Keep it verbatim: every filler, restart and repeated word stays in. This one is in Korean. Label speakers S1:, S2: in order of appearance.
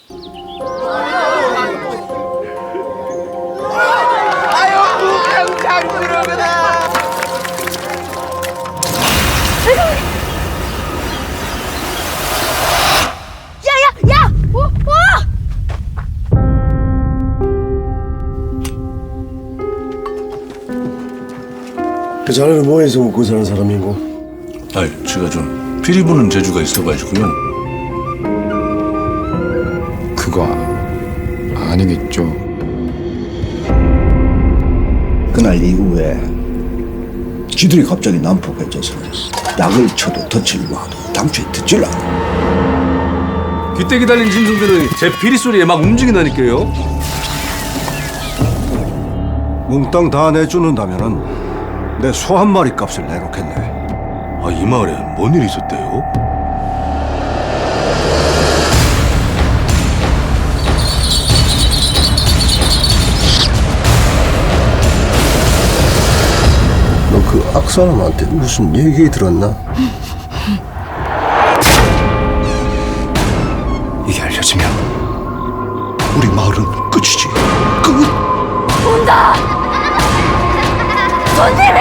S1: 야야야! 어? 어?
S2: 그 자네는 뭐해서 먹고 사는 사람이고?
S3: 아이, 제가 좀 피리 부는 재주가 있어가지고요.
S4: 그거 아니겠죠.
S5: 그날 이후에 지들이 갑자기 난폭해져서 약을 쳐도 덫을 놔도 당초에 듣질 않아.
S6: 귀때기 달린 짐승들은 제 피리 소리에 막 움직인다니까요.
S2: 몽땅 다 내주는다면은 내 소 한 마리 값을 내놓겠네.
S3: 아, 이 마을에 뭔 일이 있었대요?
S2: 너 그 악사람한테 무슨 얘기 들었나?
S3: 이게 알려지면 우리 마을은 끝이지. 끝!
S1: 온다! 손님!